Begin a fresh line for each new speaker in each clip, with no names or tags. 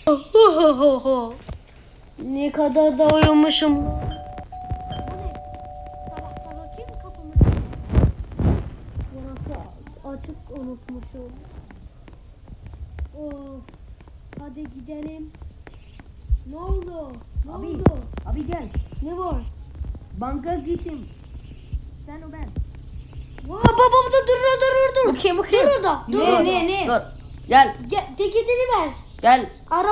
Ne kadar da uyumuşum.
Sabah sabah kim kapımı?
Burası açık unutmuşum. Of. Hadi gidelim. Ne oldu? Ne
Abi.
oldu?
Abi gel.
Ne var?
Banka gittim. Sen o ben.
Babam da dur.
Bakayım.
Dur orada. Dur.
Ne? Dur. Gel.
Teketini ver.
Gel.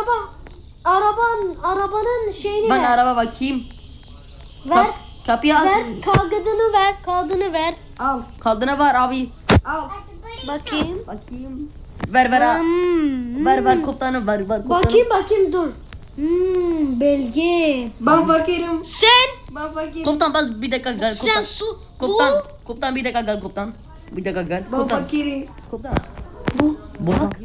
Arabanın şeyini
Ben
ver.
araba bakayım.
Ver.
Kapıyı al.
Ver. Kağıdını ver.
Al. Kaldığına var abi. Al.
Bakayım.
Bakayım. Ver. Ver komutanım ver komutanım.
Bakayım dur. Belge.
Ben fakirim.
Sen.
Ben fakirim. Komutan bas bir dakika gel komutan.
Sen su.
Komutan bir dakika gel komutan. Bir dakika gel.
Ben fakirim.
Komutan.
Bu.
Bak.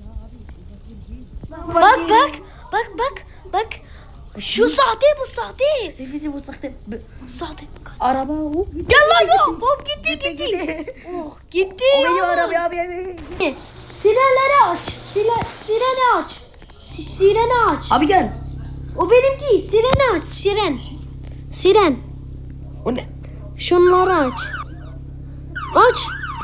Bak. Şu sahte bu sahte.
Evet bu sakte.
Sahte.
Araba o.
Gel lan ya. Bom gitti. Oh gitti
O benim
ya.
araba abi.
Sirenleri aç. Sireni aç. Sireni aç.
Abi gel.
O benimki. Sireni aç. Siren.
O ne?
Şunları aç. Aç.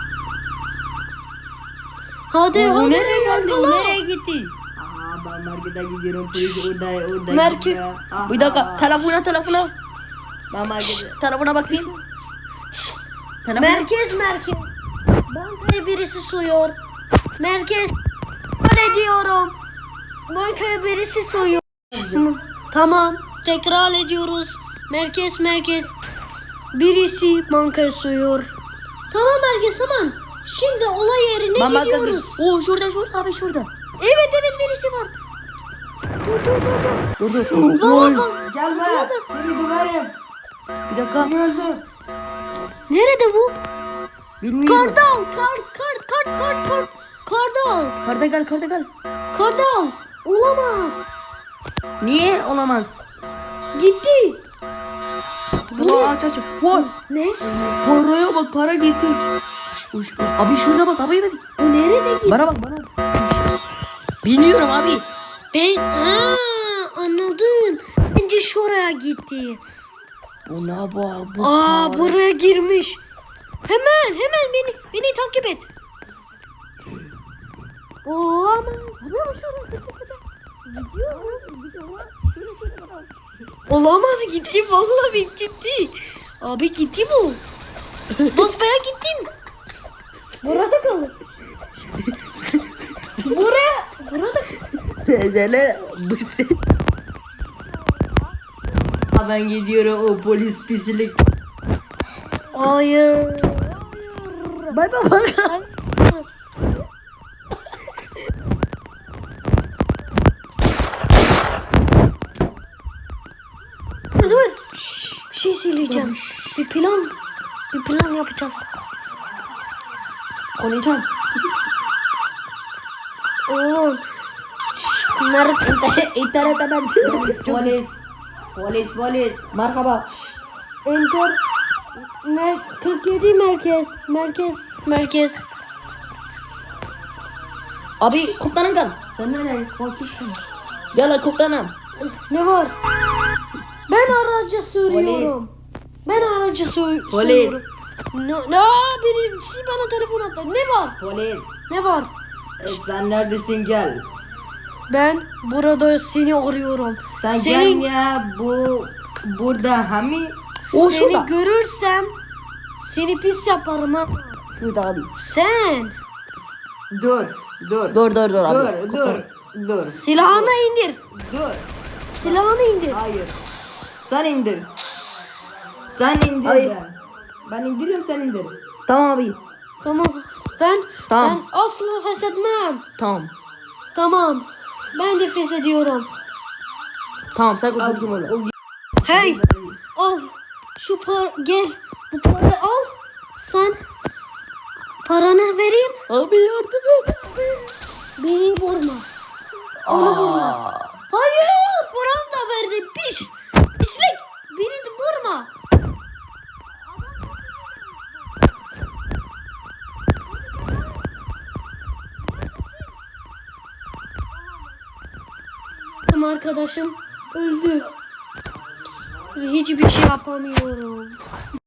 Hadi
O
hadi.
nereye geldi? O
yakala.
nereye gitti?
Aa ben markete gidiyorum. Polis orada.
Merke-
gidiyor.
Bir dakika. Telefona.
Ben markete.
Telefona bakayım. Telefona.
Merkez. Bankaya birisi soyuyor. Merkez. Ne diyorum? Bankaya birisi soyuyor. Tamam. Tekrar ediyoruz. Merkez. Birisi bankaya soyuyor. Tamam merkez tamam. Şimdi olay yerine
Ben
gidiyoruz.
O şurada abi şurada.
Evet birisi var. Dur.
Dur.
Bak.
Gelme. Seni döverim.
Bir dakika.
Seni öldür.
Nerede bu?
Bilmiyorum.
Kardal. Kardal.
Karda gel.
Kardal. Olamaz.
Niye olamaz?
Gitti.
Aç. Var.
Ne?
Paraya bak para getir. Abi şurada bak abi.
O nerede gitti?
Bana bak. Bilmiyorum abi.
Anladım. Bence şuraya gitti.
Bu ne bu?
Buraya girmiş. Hemen beni takip et. Olamaz. Olamaz gitti vallahi gitti. Abi gitti bu. Basbaya gittim. Burada kalın. Burada.
Teyzeler bu sen. Ben gidiyorum o polis pislik.
Hayır.
Bay bak.
Dur. Bir şey söyleyeceğim. Bir plan yapacağız.
Konuşacağım.
Oğlum.
İnternete ben. Polis. Merhaba.
Enter. 47 merkez.
Abi komutanım gel. Sen nereye? Gel komutanım.
Ne var? Ben araca sürüyorum.
Polis.
Ne? Birisi bana telefon attı. Ne var?
Polis.
Ne var?
Sen neredesin gel.
Ben burada seni arıyorum.
Sen
Senin-
gel ya burada hani
O
Seni
şurada.
görürsem seni pis yaparım ha.
Şurada abi.
Sen
dur.
Dur abi.
Dur.
silahını indir.
Dur.
Silahını indir.
Hayır. Sen indir. Sen indir
Hayır.
ben indiriyorum sen indir.
Tamam abi.
Tamam. Ben
Tamam.
asla feshetmem.
Tamam.
Ben de feshediyorum.
Tamam sen bakayım öyle.
Hey, al. Gel. Bu parayı al. Sen paranı vereyim.
Abi yardım et abi.
Beni vurma. Onu vurma. Hayır, paranı da verdi. Pislik. Beni de vurma. Ama arkadaşım öldü. Hiçbir şey yapamıyorum.